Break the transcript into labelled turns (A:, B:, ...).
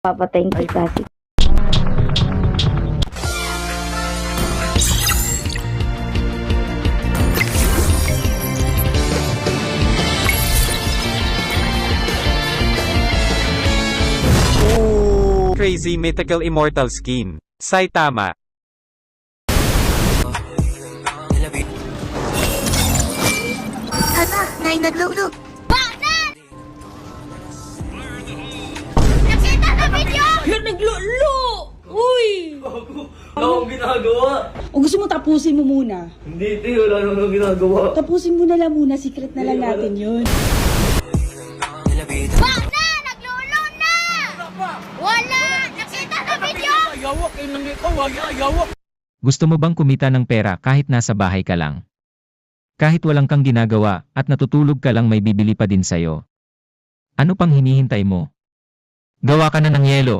A: Papatayin kita.
B: Crazy mythical immortal skin. Saitama.
C: Hala, nay naglulog.
D: Nakita sa video!
E: Yan, naglulo! Uy!
F: Wala akong ginagawa.
E: O gusto mo tapusin mo muna?
F: Hindi, te. Wala akong ginagawa.
E: Tapusin mo na lang muna, secret na lang natin yun.
D: Bakla! Naglulo na! Wala! Nakita sa video!
G: Gusto mo bang kumita ng pera kahit nasa bahay ka lang? Kahit walang kang ginagawa at natutulog ka lang, may bibili pa din sa'yo. Ano pang hinihintay mo? Gawa ka na ng yelo.